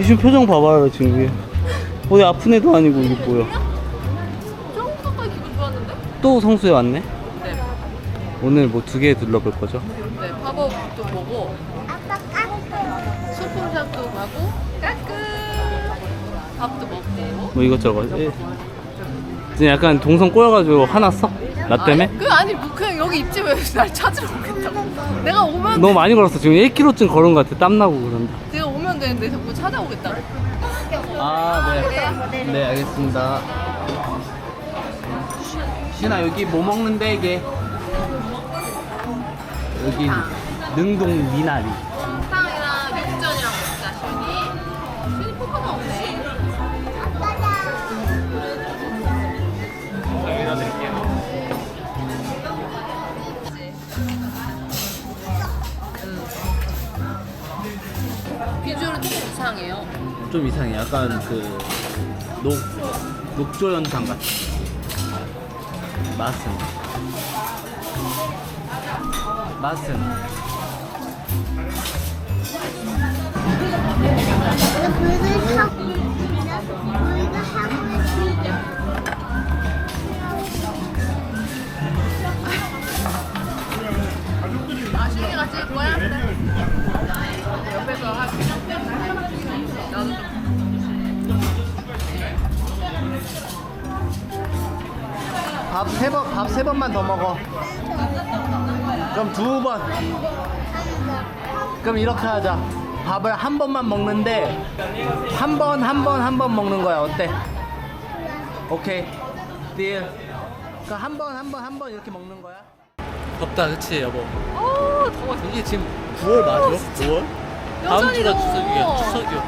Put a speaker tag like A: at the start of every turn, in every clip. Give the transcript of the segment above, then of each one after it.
A: 지금 표정 봐봐요 지금 이게 어디 아픈 애도 아니고 이게 뭐야.
B: 조금까지 기분 좋았는데?
A: 또 성수에 왔네?
B: 네.
A: 오늘 뭐 2개 둘러볼 거죠?
B: 네, 팝업도 보고 소품샵도 가고 까끔 밥도 먹고.
A: 뭐 이것저것. 지금 약간 동선 꼬여가지고 화났어? 나 때문에?
B: 아니 뭐 그냥 여기 입집에 날 찾으러 오겠다고. 내가 오면
A: 너무 많이 걸었어. 지금 1km쯤 걸은 것 같아. 땀나고 그런다.
B: 내가 오면 되는데 자꾸 찾아오겠다고.
A: 아, 네. 네, 알겠습니다. 신아, 여기 뭐 먹는데, 이게? 여기 능동 미나리.
B: 탕이랑 육전이랑 먹자, 슈니. 슈니 포카가 없네. 비주얼은 조금 이상해요.
A: 좀 이상해. 약간 그 녹조연탕 같아. 맛은
B: 슈니가 찍을 거야? 옆에서 하고. 나도 좀.
A: 밥 세 번만 더 먹어. 그럼 2번. 그럼 이렇게 하자. 밥을 한 번만 먹는데 한 번 먹는 거야. 어때? 오케이. 딜. 그럼 한 번 이렇게 먹는 거야. 덥다, 그치 여보?
B: 오, 더워.
A: 이게 지금 9월 맞아? 9월? 다음
B: 여전히
A: 주가
B: 더워.
A: 추석이야.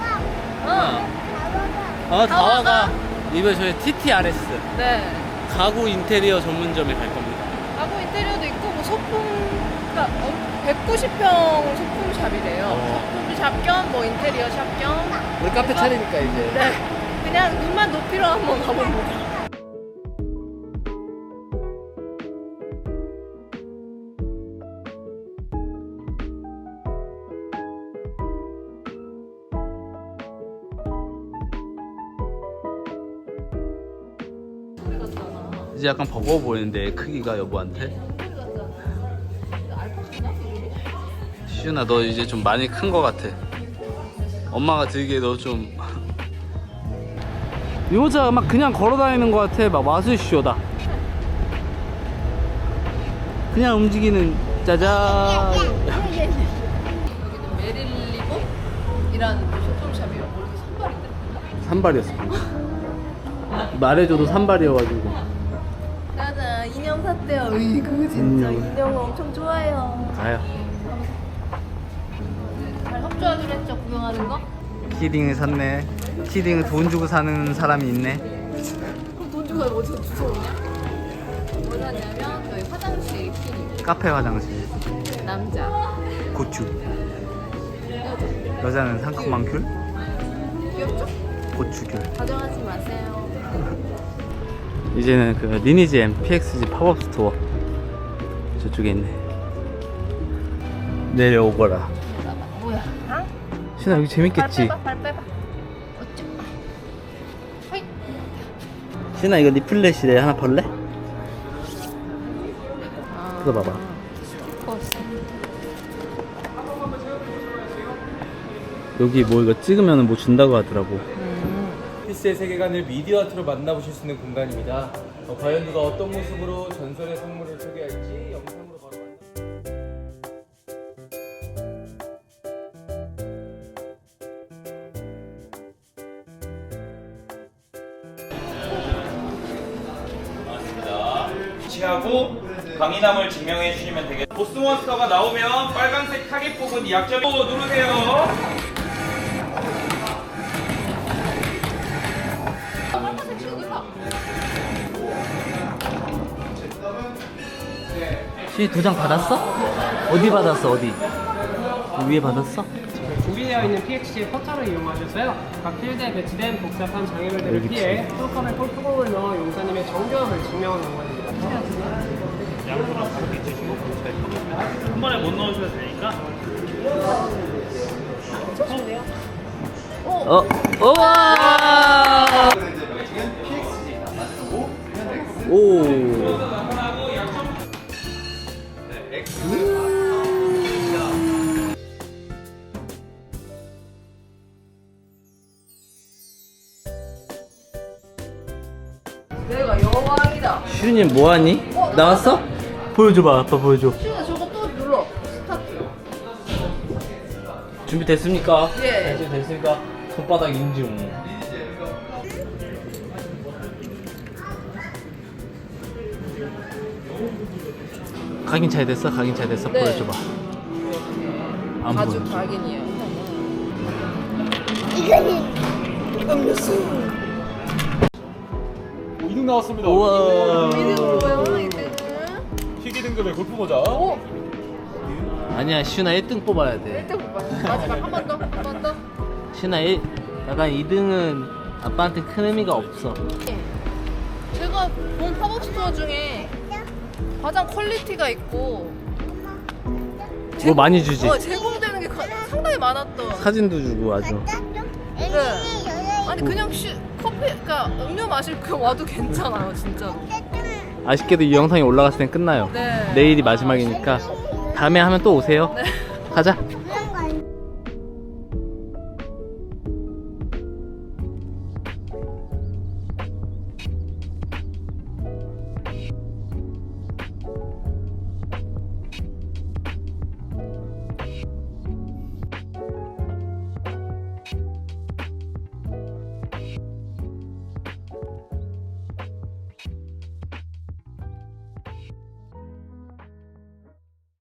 B: 응.
A: 다와가 이번에 저희 TTRS
B: 네.
A: 가구 인테리어 전문점에 갈 겁니다.
B: 가구 인테리어도 있고 뭐 소품, 그러니까 190평 소품샵이래요. 소품샵 겸 뭐 인테리어 샵 겸.
A: 우리 카페 차리니까 이제.
B: 네. 그냥 눈만 높이로 한번 가봅니다.
A: 이제 약간 버거워 보이는데 크기가 여보한테. 시윤아, 너 이제 좀 많이 큰 거 같아. 엄마가 들기에 너 좀 이 여자 막 그냥 걸어다니는 거 같아. 막 마술쇼다. 그냥 움직이는 짜잔.
B: 여기는 메릴리봄이라는 소품샵이에요. 뭐 이렇게 선발인데?
A: 산발이었어. 말해줘도 산발이어가지고.
B: 짜잔, 인형 샀대요. 으이구 진짜 인형 엄청 좋아해요.
A: 가요.
B: 잘 협조하기로 했죠, 구경하는 거?
A: 키링을 샀네. 키링을 돈 주고 사는 사람이 있네.
B: 그럼 돈 주고 어디서 주워오냐? 뭐 샀냐면 저희 화장실 키링.
A: 카페 화장실.
B: 남자.
A: 고추. 여자는 상큼한 귤.
B: 귀엽죠?
A: 고추귤.
B: 가져가지 마세요.
A: 이제는 그 리니지 M PXG 팝업 스토어 저쪽에 있네. 내려오거라.
B: 뭐야? 응?
A: 신아, 여기 재밌겠지?
B: 발 빼봐. 어쩌? 허이.
A: 신아, 이거 리플렛이래. 하나 벌래? 뜯어봐봐. 여기 뭐 이거 찍으면 뭐 준다고 하더라고.
C: 피스의 세계관을 미디어 아트로 만나보실 수 있는 공간입니다. 과연 누가 어떤 모습으로 전설의 선물을 소개할지 영상으로 바로
D: 위치하고 강인함을 증명해 주시면 되겠습니다. 보스몬스터가 나오면 빨간색 타겟 부분 약점 누르세요.
A: 시 도장 받았어? 어디 받았어? 어디? 위에 받았어?
E: 준비되어 있는 PXG의 포털을 이용하셔서요. 각 필드에 배치된 복잡한 장애물들을
A: 여기
E: 피해 톨컴에 폴프공을 넣어 용사님의 정교함을 증명하는 공간입니다.
D: 양손으로 가볍게 치시고 한 번에 못 넣으셔도 되니까.
B: 조심해요. 오,
A: 우와! 오.
B: 내가 여왕이다.
A: 슈님 뭐하니? 나왔어? 보여줘봐, 아빠 보여줘.
B: 슈가 저거 또 눌러. 스타트.
A: 준비됐습니까?
B: 예.
A: 준비됐습니까? 손바닥 인중. 각인 잘 됐어? 각인 잘 됐어?
B: 네.
A: 보여줘봐. 안
B: 가죽
A: 보여줘.
B: 각인이에요.
C: 이등 나왔습니다.
A: 우와.
B: 이등은 뭐야? 이등은?
C: 희귀 등급의 골프 모자.
B: 오!
A: 아니야, 슈나 1등 뽑아야 돼.
B: 1등 못 봤어. 마지막 한 번 더. 한 번 더.
A: 슈나 약간 2등은 아빠한테 큰 의미가 없어.
B: 제가 본 팝업 스토어 중에 가장 퀄리티가 있고
A: 뭐 많이 주지?
B: 제공되는 게 상당히 많았던.
A: 사진도 주고 아주.
B: 네. 아니 그냥 커피, 그러니까 음료 마실 거 와도 괜찮아요, 진짜.
A: 아쉽게도 이 영상이 올라갔을 땐 끝나요.
B: 네.
A: 내일이 마지막이니까 다음에 하면 또 오세요.
B: 네.
A: 가자.